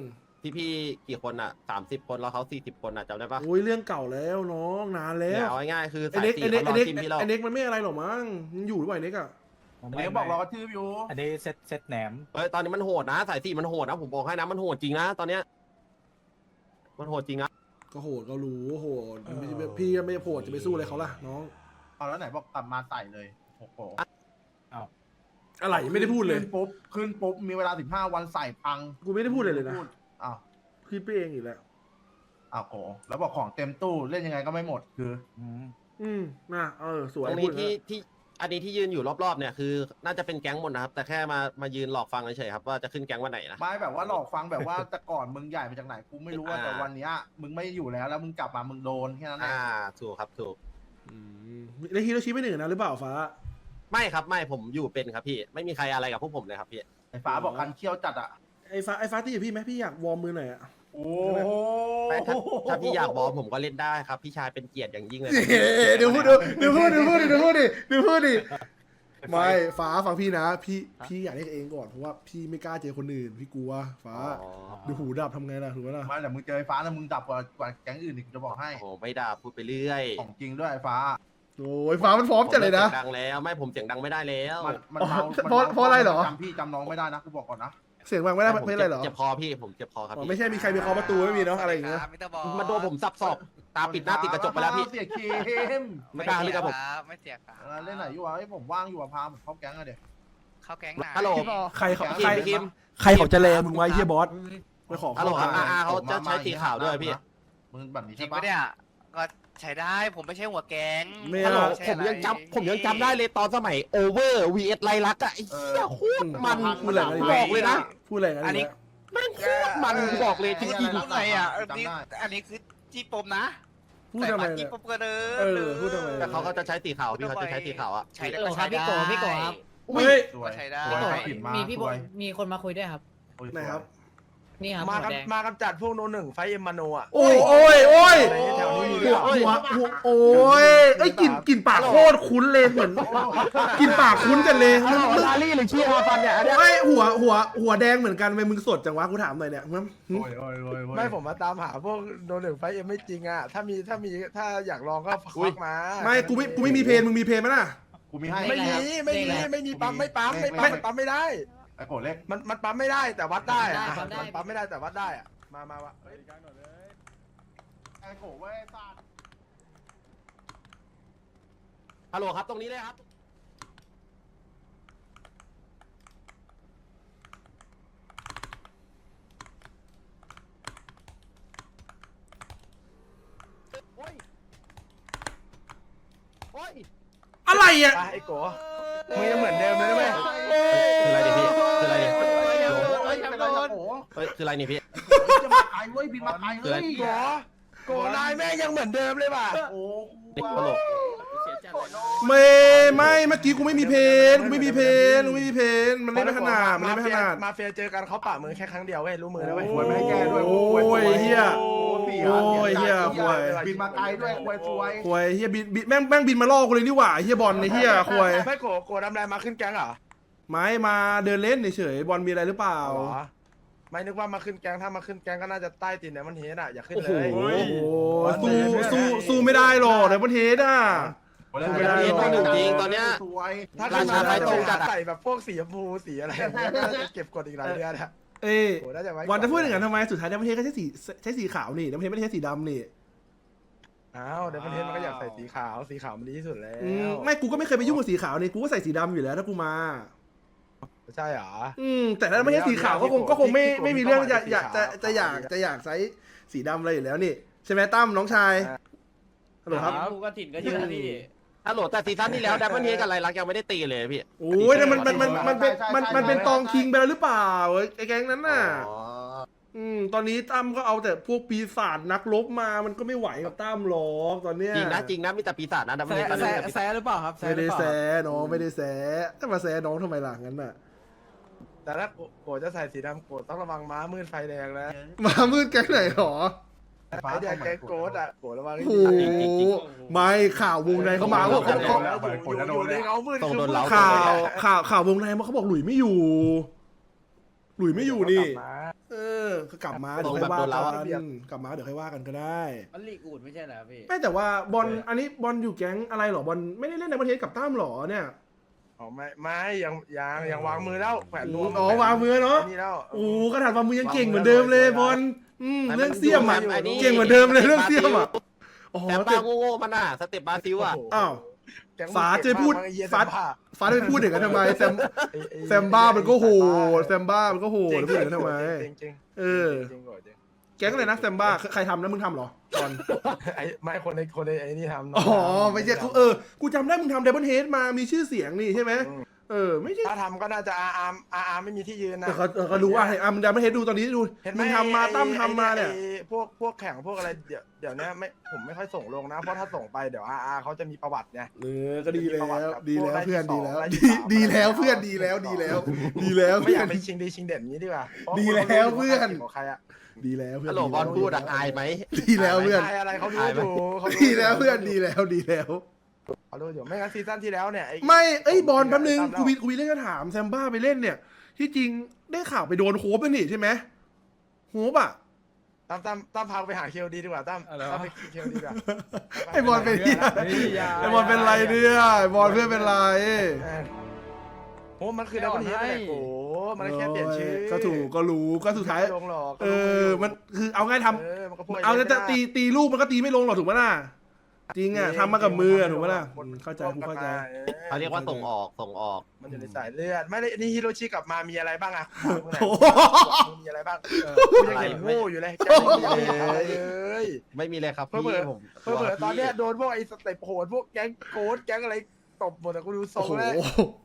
[SPEAKER 1] พี่กี่คนอ่ะ30 คนแล้วเขา40 คนอ่ะจำได้ปะ
[SPEAKER 2] โอ้ยเรื่องเก่าแล้วน้องนานแล้
[SPEAKER 1] เนี่ยว เอาง่ายๆคือ
[SPEAKER 2] ไอ้
[SPEAKER 1] สาย
[SPEAKER 2] เน็ก
[SPEAKER 1] สี
[SPEAKER 2] ไอ้เน็ก
[SPEAKER 1] เขา
[SPEAKER 2] ไอ้
[SPEAKER 1] รอ
[SPEAKER 2] เน็ก
[SPEAKER 1] จิ้มพี่เรา
[SPEAKER 2] ไอ้เน็กมันไม่อะไรหรอกมั้งมันอยู่หรือเปล่าไอ้เน็กอะ
[SPEAKER 3] เดี๋ยวบอกเราก็ชื่ออยู่
[SPEAKER 6] อันนี้เซตแหนม
[SPEAKER 1] เฮ้ยตอนนี้มันโหดนะสายสีมันโหดนะผมบอกให้นะมันโหดจริงนะตอนเนี้ยมันโหดจริงนะ
[SPEAKER 2] ก็โหดก็รู้โหดไม่ใช่พี่ไม่โหดจะไปสู้อะไรเขาล่ะน้อง
[SPEAKER 3] เอาแล้วไหนบอกกลับมาใส่เลยโอ้โห
[SPEAKER 2] อะไรไม่ได้พูดเลย
[SPEAKER 3] ขึ้นปุ๊บมีเวลา15 วันใส่พัง
[SPEAKER 2] กูไม่ได้พูดเลยนะ
[SPEAKER 3] อ้าว
[SPEAKER 2] พี่ไปเองอีกแล้ว
[SPEAKER 3] อ้าวโหแล้วบอกของเต็มตู้เล่นยังไงก็ไม่หมดคือ
[SPEAKER 2] น่ะสวย
[SPEAKER 1] ตรง
[SPEAKER 2] พู
[SPEAKER 1] นี้
[SPEAKER 2] ด
[SPEAKER 1] ที่อันนี้ที่ยืนอยู่รอบๆเนี่ยคือน่าจะเป็นแก๊งหมดนะครับแต่แค่มายืนหลอกฟังเฉยๆครับว่าจะขึ้นแก๊งวันไหนนะ
[SPEAKER 3] ไม่แบบว่าหลอกฟังแบบว่าแต่ก่อนมึงใหญ่มาจากไหนกูไม่รู้ว่า
[SPEAKER 1] อ่า
[SPEAKER 3] แต่วันเนี้ยมึงไม่อยู่แล้วมึงกลับมามึงโดนแค่นั้นแหละ
[SPEAKER 1] ถูกครับถูก
[SPEAKER 2] แล้วฮิโรชิไม่หนึ่งนะหรือเปล่าฟ้า
[SPEAKER 1] ไม่ครับไม่ผมอยู่เป็นครับพี่ไม่มีใครอะไรกับพวกผมเลยครับพี่
[SPEAKER 3] ไอ้ฟ้าบอกกันเคี่ยวจัดอ่ะ
[SPEAKER 2] ไอ้ฟ้าที่อยู่พี่ไหมพี่อยากวอร์มมือหน่อยอะ
[SPEAKER 3] โอ้
[SPEAKER 1] ไม่ถ้าพี่อยากบอกผมก็เล่นได้ครับพี่ชายเป็นเกียรติอย่างยิ่งเลย
[SPEAKER 2] เดี๋ยวพูดดิไม่ฟ้าฟังพี่นะพี่อยากเล่นเองก่อนเพราะว่าพี่ไม่กล้าเจอคนอื่นพี่กลัวฟ้าดูหูดับทำไงล่ะถูกไหมล่ะ
[SPEAKER 3] ไม่แต่มึงเจอไอ้ฟ้าแล้วมึงดับกว่าแก๊งอื่นอีกกูจะบอกให้
[SPEAKER 1] โอ้ไม่ด่าพูดไปเรื่อย
[SPEAKER 3] ของจริงด้วยไอ้ฟ้า
[SPEAKER 2] โอ้ยฟ้ามันพร้อมจัดเลยนะ
[SPEAKER 1] ผมสีงดังแล้วไม่ผมเสียงดังไม่ได้แล้ว
[SPEAKER 3] มันเมา
[SPEAKER 2] เพราะอะไรเหรอ
[SPEAKER 3] จำพี่จำน้องไม่ได้นะกูบอกก่อนนะ
[SPEAKER 2] เสียงฟังไม่ได้
[SPEAKER 1] ผม
[SPEAKER 2] ไม่อะไรเหรอ
[SPEAKER 1] เจ็บคอพี่ผมเจ็บคอครับ
[SPEAKER 2] อ๋อ
[SPEAKER 1] พี่
[SPEAKER 2] ไม่ใช่มีใครไปเคาะประตูไม่มีเนาะอะไรอย่างเงี้ย
[SPEAKER 1] มาโดนผมสับศอกตาปิดหน้าติดกระจกไปแล้วพี่
[SPEAKER 3] เสียเคม
[SPEAKER 1] ไม่กล้าเลยครับผม
[SPEAKER 10] ไม่เสียครับ
[SPEAKER 3] เล่นไหนอยู่วะไอ้ผมว่างอยู่อะพาผมเข้าแก๊งอะเดี๋ยว
[SPEAKER 10] เข้าแก๊งไหน
[SPEAKER 1] ฮัลโหล
[SPEAKER 2] ใครเขา
[SPEAKER 1] คิมพี่คิม
[SPEAKER 2] ใครเขาจะแลมึงไว้เฮียบอสไปขอ
[SPEAKER 1] ฮัลโหลครับ
[SPEAKER 2] เข้า
[SPEAKER 1] เขาจะใช้สีขาวด้วยพี่
[SPEAKER 3] มึงแบบนี้
[SPEAKER 10] จริ
[SPEAKER 3] ใช่
[SPEAKER 10] ง
[SPEAKER 3] ปะ
[SPEAKER 10] ปะเนี่ยก็ใช้ได้ผมไม่ใช่หัวแก๊ง
[SPEAKER 2] ไม่
[SPEAKER 1] ฮัลโหล
[SPEAKER 2] เอา
[SPEAKER 1] ผมยังจำได้เลยตอนสมัยโอเวอร์ vs ไลลักอะไอ้เหี้ยโคตรมัน
[SPEAKER 2] พูดอะไรกัน
[SPEAKER 1] บอกเลยนะ
[SPEAKER 2] พูดอะไรกัน
[SPEAKER 10] อันนี้
[SPEAKER 1] แม่งโคตรมันบอกเลยจริง
[SPEAKER 10] อะไรอ่ะอันนี้คือจี้ปมนะ
[SPEAKER 2] พูดทำไม
[SPEAKER 10] ใส่บัตรจี้
[SPEAKER 2] เนี่ย
[SPEAKER 10] ปมก็เดิม
[SPEAKER 2] พูดทำไม
[SPEAKER 1] ๆแต่เขาก็จะใช้สีขาวพี่เขาจะใช้สีขาวอะ
[SPEAKER 10] ใช้ได้ก็ใช้ได้
[SPEAKER 2] เฮ้ย
[SPEAKER 3] สวย
[SPEAKER 10] ใช้ได้
[SPEAKER 3] สวยใครผิดมา
[SPEAKER 7] มีพี่
[SPEAKER 3] ส
[SPEAKER 7] บ
[SPEAKER 3] ว
[SPEAKER 7] อย มีคนมาคุยด้วยครับ
[SPEAKER 2] ไหนครับ
[SPEAKER 7] นี่ครับ
[SPEAKER 4] มา
[SPEAKER 7] หัวแดง
[SPEAKER 4] มากำจัดพวกโนหนึ่งไฟเอ็มมาโนอ่ะ
[SPEAKER 2] โอ้ย
[SPEAKER 4] อะไรแถวนี้มีหรือเปล่า
[SPEAKER 2] โอ้ยไอ้กลิ่นปากโคตรคุ้นเลยเหมือนกลิ่นปากคุ้นกันเลย
[SPEAKER 1] ลาลี่หรือเชียร์ฟันเนี่ยอันเนี้ย
[SPEAKER 2] ไอ้หัวแดงเหมือนกันทำไมมึงสดจังวะกูถามหน่อยเนี่ย
[SPEAKER 3] โอ้ย
[SPEAKER 4] ไม่ผมมาตามหาพวกโนหนึ่งไฟเอ็มไม่จริงอ่ะถ้าอยากลองก็ควักมา
[SPEAKER 2] ไม่กูไม่มีเพลงมึงมีเพลงไหมล่ะ
[SPEAKER 3] กูมีให้
[SPEAKER 4] ไม่มีปั๊มไม่ปั๊มมันปั๊มไม่ได้
[SPEAKER 3] ไอ้โกรธเล็ก
[SPEAKER 4] มันปั๊มไม่ได้แต่วัดได้อะ
[SPEAKER 7] ปั๊มได้
[SPEAKER 4] มันปั๊มไม่ได้แต่วัดได้อะมาวะ
[SPEAKER 3] ไอ้โกรธเว้ยสัตว์
[SPEAKER 1] ฮัลโหลครับตรงนี้เลยครับโอ้ยโอ้ย
[SPEAKER 2] อะไรอ่ะ
[SPEAKER 4] ไปไอ้โกมึงยังเหมือนเดิมเลยนะเว้ย
[SPEAKER 1] คืออะไรดิพี่คืออะไรดิ
[SPEAKER 3] เฮ้ยเป็นไรนะโกรธ
[SPEAKER 1] เฮ้ยคืออะไรนี่พี่
[SPEAKER 3] จะมาไกลเว้ยบินมาไกลเว้ย
[SPEAKER 4] โกนายแม่งยังเหมือนเดิมเลยว่ะ
[SPEAKER 3] โอ้
[SPEAKER 1] นี่ตลก
[SPEAKER 2] ไม่เมื่อกี้กูไม่มีเพลงมันเล่นไม่ถนัด
[SPEAKER 4] มาเฟียเจอกันเขาปะมือแค่ครั้งเดียวเว้ยรู้มือนะเว้ย
[SPEAKER 3] หวยไม่ให้แก้ด้วย
[SPEAKER 2] โอ้ยเฮีย
[SPEAKER 3] โอ้ย
[SPEAKER 2] บินมาไกลด้วย
[SPEAKER 3] สวย
[SPEAKER 2] ควยเฮียบินแม่งบินมาล่อกูเลยนี่หว่าเฮียบอลในเฮียควย
[SPEAKER 4] ไม่โกดำแรงมาขึ้นแก๊งเหรอ
[SPEAKER 2] ไม่มาเดินเล่นเฉยบอลมีอะไรหรือเปล่า
[SPEAKER 4] ไม่นึกว่ามาขึ้นแก๊งถ้ามาขึ้นแก๊งก็น่าจะใต้ตีนเนี่ยมันเฮดอ่ะอย่าขึ้น
[SPEAKER 2] โอ้
[SPEAKER 4] เล
[SPEAKER 2] โห
[SPEAKER 4] ย
[SPEAKER 2] สู้ไม่ได้หรอกในประเทศอ่ะ
[SPEAKER 1] ไม่ได้ตัวหนึ่งจริงตอนเนี้ย
[SPEAKER 3] สวย
[SPEAKER 4] ถ้าขึ้นมาใส่แบบพวกสีชมพูสีอะไรน่าจะเก็บกดอีกหลายเดือนอะ
[SPEAKER 2] เอ้ย
[SPEAKER 4] โหน่าจะไว้
[SPEAKER 2] วันจะพูดอย่างนั้นทำไมสุดท้ายในประเทศก็ใช้สีขาวนี่ในประเทศไม่ได้ใช้สีดำนี่
[SPEAKER 4] อ้าวเดี๋ยวประเทศมันก็อยากใส่สีขาวมันดีที่สุดแล้ว
[SPEAKER 2] ไม่กูก็ไม่เคยไปยุ่งกับสีขาวนี่กูก็ใส่สีดำอยู่แล้วถ้ากูมา
[SPEAKER 4] ใช่เหรอ
[SPEAKER 2] แต่ถ้าไม่ใช่สีขาวก็คงไม่มีเรื่องอยากใช้สีดำอะไรอยู่แล้วนี่ใช่ไหมตั้มน้องชายฮัลโหลครับ
[SPEAKER 7] กูก็ถิ่นก็เยอะพี่
[SPEAKER 1] ฮัลโหลแต่ซีซั่นที่แล้วดับเบิลเฮดกับไรลักยังไม่ได้ตีเลยพี่
[SPEAKER 2] โอ้ยแต่มันเป็นตองคิงไปแล้วหรือเปล่าไอ้แก๊งนั้นน่ะตอนนี้ตั้มก็เอาแต่พวกปีศาจนักรบมามันก็ไม่ไหวกับตั้มหรอกตอนเนี้ย
[SPEAKER 1] จริงนะมีแต่ปีศาจนะดับเบิลเฮด
[SPEAKER 7] แซหรือเปล่าครับ
[SPEAKER 2] ไม่ได้แซะน้องไม่ได้แซะจะมาแซะน้องทำไมล่ะงั้นน่ะ
[SPEAKER 4] แต่ถ้าโกจะใส่สีดำโกต้องระวังม้ามืดไฟแดงนะ
[SPEAKER 2] มามืดแก๊งไหนหรอ
[SPEAKER 4] ไอเดียแกโกดอ่ะโกระวังให้
[SPEAKER 2] โอ้
[SPEAKER 4] ดี
[SPEAKER 2] โหไม่ข่าววงในเขามาว่าเขา
[SPEAKER 4] อยู่ในเงามืด
[SPEAKER 1] ต้องโดนเล้า
[SPEAKER 2] ข่าววงในเขาบอกหลุยไม่อยู่นี่ เออก็กลับมาเดี๋ยวค่อยว่ากันกลับมาเดี๋ยวค่อยว่ากันก็ได้
[SPEAKER 7] มันลีกอูดไม่ใช่เหรอพี่
[SPEAKER 2] ไม่แต่ว่าบอลอันนี้บอลอยู่แก๊งอะไรหรอบอลไม่ได้เล่นในประเทศกับตั้มหรอเนี่ย
[SPEAKER 4] อ๋อไม่ยังวางมือแล้วแขวนรวม
[SPEAKER 2] อ๋อวางมือเนาะ
[SPEAKER 4] นี่แล้ว
[SPEAKER 2] โอ้กระถางวางมือยังเก่งเหมือนเดิมเลยบอลเรื่องเสี่ยมอ่ะเก่งเหมือนเดิมเลยเรื่องเสี่ยมอ่ะอ๋อ
[SPEAKER 1] แต่ปลาโง่ๆมันน่ะสเต็ปบราซิลอ่ะ
[SPEAKER 2] อ้าว
[SPEAKER 4] แก๊งมึง
[SPEAKER 2] ฟ้าจะพูด
[SPEAKER 4] เก่งมากไอ้เหี้ย
[SPEAKER 2] ฟ้า
[SPEAKER 4] แซมบ้า
[SPEAKER 2] ฟ้าจะไปพูดอย่างนั้นทำไมแซมบ้ามันก็โหดแซมบ้ามันก็โหดพูดอย่างนั้นทำไม
[SPEAKER 4] จริง
[SPEAKER 2] เออ
[SPEAKER 4] จริงจริง
[SPEAKER 2] แก๊งอะไรนะแซมบ้าใครทำนะมึงทำเหรอบอล
[SPEAKER 4] ไอ้ไม่คนในไอ้นี่ทำ
[SPEAKER 2] อ๋อไม่ใช่กูกูจำได้มึงทำไดมอนเฮดมามีชื่อเสียงนี่ใช่ไหมไม่ใช่
[SPEAKER 4] ถ้าทำก็น่าจะอาร์ไม่มีที่ยืนนะ
[SPEAKER 2] แต่เขารู้ว่ามึงไดมอนเฮดดูตอนนี้ดู
[SPEAKER 4] เห็นไหม
[SPEAKER 2] มึงทำมาตั้มทำมาเนี่ย
[SPEAKER 4] ไอ้พวกแข่งพวกอะไรเดี๋ยวนี้ผมไม่ค่อยส่งลงนะ เพราะถ้าส่งไปเดี๋ยวเขาจะมีประวัติไง
[SPEAKER 2] ก็ดีแล้วดีแล้วเพื่อนดีแล้ว
[SPEAKER 4] ได้
[SPEAKER 2] ดี
[SPEAKER 4] ที่สอง
[SPEAKER 2] ดีแล้ว
[SPEAKER 4] ได้ที่
[SPEAKER 2] เพื่อน
[SPEAKER 4] สาม
[SPEAKER 2] ดีแล้วดีแล้วดีแล้ว
[SPEAKER 4] ไม่
[SPEAKER 2] เพื่
[SPEAKER 4] อ
[SPEAKER 2] อย
[SPEAKER 4] าน กไปชิงดีชิงเด่นอย่างนี้ดีกว่าเพราะ
[SPEAKER 2] ดีแล้วเพื่อน
[SPEAKER 4] ของใครอะ
[SPEAKER 2] ดีแล้วเพื่อน
[SPEAKER 1] ฮัลโหลบอลพูดอะอายไหม
[SPEAKER 2] ดีแล้วเพื่อน
[SPEAKER 4] ใครอะไรเขารู้อยู่เขารู้
[SPEAKER 2] ดีแล้วเพื่อนดีแล้วดีแล้ว
[SPEAKER 4] เขารู้อยู่ไม่งั้นซีซั่นที่แล้วเนี่ย
[SPEAKER 2] ไม่บอลแป๊บนึงกูมีเรื่องจะถามแซมบ้าไปเล่นเนี่ย ที่จริงได้ข่าวไปโดนโฮปแล้วนี่ใช่ไหมโฮปอ่ะ
[SPEAKER 4] ตั้มพาไปหาเคลดีดีกว่าตั้มไปเคลดีกว่า
[SPEAKER 2] ไอบอลเป็นเนี่ยไอบอลเป็นไรเนี่ยไอบอลเพื่อนเป็นไร
[SPEAKER 4] โอ้มันคือแล้วมันเฮียแหละโอ้มันแค่เปลี่ยนชื่อ
[SPEAKER 2] ก็ถูกก็รู้ก็สุดท้าย
[SPEAKER 4] ลงหรอก
[SPEAKER 2] มันคือเอาง่ายท
[SPEAKER 4] มันก็พูด
[SPEAKER 2] ำเอาจะตีลูกมันก็ตีไม่ลงหรอกถูกไหมล่ะจริงอ่ะทำมากับมือถูกไหมล่ะเข้าใจกูเข้าใจ
[SPEAKER 1] เขาเรียกว่าส่งออก
[SPEAKER 4] มันอยู่ในสายเลือดไม่ได้นี่ฮิโรชิกลับมามีอะไรบ้างอะมีอะไรบ้างกูยังเห็นโง่อยู่เลยแกไม่มีอะไรเลย
[SPEAKER 1] ไม่มีเลยครับพี่ผม
[SPEAKER 4] เผื่อตอนเนี้ยโดนพวกไอ้สเต็ปโหดพวกแก๊งโกดแก๊งอะไรตบหมดแต่กูดูทรงแล้ว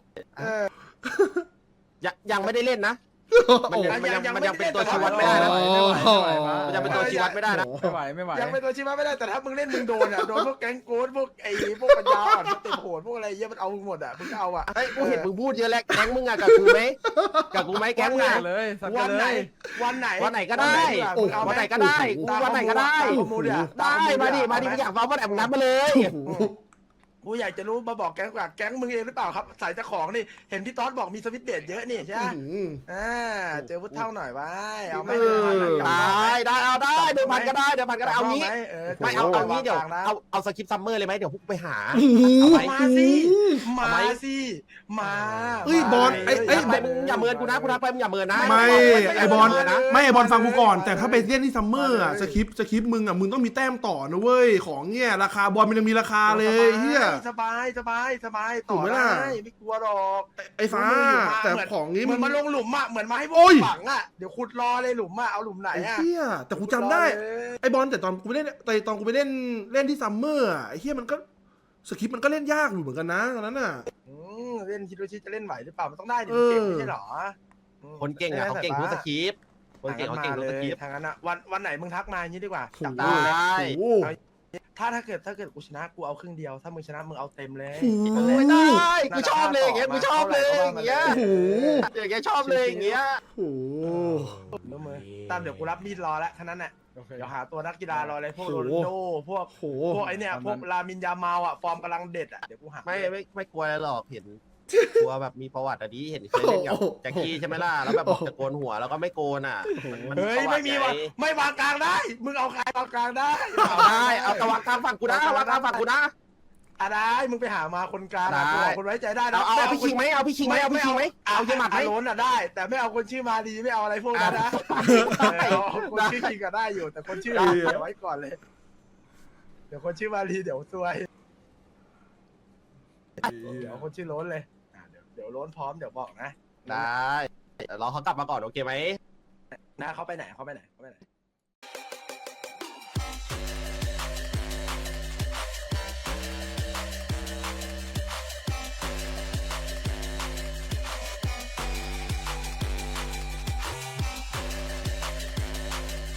[SPEAKER 1] ยังไม่ได้เล่นนะ มันยังเป็นตัวชี้วัดไม่ได้นะมันยังเป็นตัวชี้วัดไม่ได้นะ
[SPEAKER 7] ไม่ไหว
[SPEAKER 4] ยังเป็นตัวชี้วัดไม่ได้แต่ถ้ามึงเล่นมึงโดนอ่ะโดนพวกแก๊งโกดพวกไอ้พวกปัญญาอ่อนสเต็ปโหดพวกอะไรเยอะมันเอามึงหมดอ่ะมึงเอาอ่ะ
[SPEAKER 1] เฮ้ยกูเห็นมึงพูดเยอะแล้วแก๊งมึงอะกับกูไหมแก๊งมึงอะ
[SPEAKER 4] วันไหน
[SPEAKER 1] วันไหนก็ได้วันไหนก็ได้กูวันไหนก็ได้ได้มาดิมึงอยากฟังวันไหนมึงนัดมาเลย
[SPEAKER 4] กูอยากจะรู้มาบอกแก๊งกว่าแก๊งมึงเองหรือเปล่าครับสายเจ้าของนี่เห็นพี่ต๊อดบอกมีสวิตช์เบดเยอะนี่ใช่ไหมเจอพุทธเท่าหน่อยไว้เอาไหม
[SPEAKER 1] ได้เอาได้เดี๋ยวพันก็ได้เอางี้ ไม่เอางี้เดี๋ยว
[SPEAKER 4] นะ
[SPEAKER 1] เอาสคริปต์ซัมเมอร์เลยไหมเดี๋ยวพวกไปหา
[SPEAKER 4] มาสิมา
[SPEAKER 2] เฮ้ยบอลไอ้
[SPEAKER 1] มึงอย่าเมินกูนะกูทักไปมึงอย่าเมินนะ
[SPEAKER 2] ไม่ไอบอล
[SPEAKER 1] นะ
[SPEAKER 2] ไม่ไอบอลฟังกูก่อนแต่ถ้าไปเล่นที่ซัมเมอร์อะสคริปต์มึงอะมึงต้องมีแต้มต่อนะเว้ยของเนี่ยราคาบอลมันยังมีราคาเลยเฮีย
[SPEAKER 4] สบาย
[SPEAKER 2] ถูกไหมล่ะ
[SPEAKER 4] ไม่กลัวหรอก
[SPEAKER 2] ไอ้ฟ้าแต่ของนี้
[SPEAKER 4] เหมื
[SPEAKER 2] มั
[SPEAKER 4] อน นมาลงหลุมอ่ะเหมือนมาให้พว
[SPEAKER 2] โอ้
[SPEAKER 4] ก
[SPEAKER 2] ย
[SPEAKER 4] ฝังอ่ะเดี๋ยวขุดรอเลยหลุมอ่ะเอาหลุมไหน
[SPEAKER 2] ไอ้
[SPEAKER 4] อ่ะ
[SPEAKER 2] เฮียแต่กูจำได้ไอบอลแต่ตอนกูไปเล่นเล่นที่ซัมเมอร์อะไอ้เฮียมันก็สคริปต์มันก็เล่นยากอยู่เหมือนกันนะตอนนั้นน่ะ
[SPEAKER 4] เล่นฮิโรชิจะเล่นไหวหรือเปล่ามันต้องได้ดิเก่งไม่ใช่หรอ
[SPEAKER 1] คนเก่งอะเขาเก่งทุกสคริปต์คนเก่งเขาเก่งทุกสคริปต์
[SPEAKER 4] ทางนั้นอ่ะวันไหนมึงทักมาอย่างนี้ดีกว่าจับ
[SPEAKER 1] ได้
[SPEAKER 2] โอ้โห
[SPEAKER 4] ถ้าเกิดกูชนะกูเอาครึ่งเดียวถ้ามึงชนะมึงเอาเต็มเลย
[SPEAKER 1] ไม่ได้กูชอบเลยอย่างเงี้ยกูชอบเลยอย่างเงี้ย
[SPEAKER 2] โอ้โห
[SPEAKER 1] อย่างเงี้ยชอบเลยอย่างเงี้ย
[SPEAKER 2] โอ้โห
[SPEAKER 4] รู้มือตามเดี๋ยวกูรับมีดรอแล้วแค่นั้นแหละเดี๋ยวหาตัวนักกีฬารอเลยพวกโรนัลโดพวก
[SPEAKER 2] โอ้โห
[SPEAKER 4] ไอเนี่ยพวกลามินยามาอ่ะฟอร์มกำลังเด็ดอ่ะเดี๋ยวกูหา
[SPEAKER 1] ไม่กลัวอะไรหรอกเห็นกลัวแบบมีประวัติอะดิเห็นเคยเล่นกับแจ็คกี้ใช่ไหมล่ะแล้วแบบบอกจะโกนหัวแล้วก็ไม่โกนอ่ะ
[SPEAKER 4] เฮ้ยไม่มีว่ะไม่วางกลางได้มึงเอาใครวางกลางได้
[SPEAKER 1] เอาได้เอาตะวันกลางฝั่งกูนะวางกลางฝั่งกูนะ
[SPEAKER 4] ได้มึงไปหามาคนกลางคนไว้ใจได้นะ
[SPEAKER 1] เอาพี่คิงไหมเอาเยี่ยมหมัดไหม
[SPEAKER 4] ล้นอ่ะได้ แต่ไม่เอาคนชื่อมาดีไม่เอาอะไรพวกนั้นนะคนชื่อคิงก็ได้อยู่แต่คนชื่อเดี๋ยวไว้ก่อนเลยเดี๋ยวคนชื่อมาดีเดี๋ยวซวยเดี๋ยวคนชื่อล้นเลยเดี๋ยวล้นพร้อมเดี๋ยวบอกนะ
[SPEAKER 1] ได้รอเขากลับมาก่อนโอเคไหม
[SPEAKER 4] นะเขาไปไหน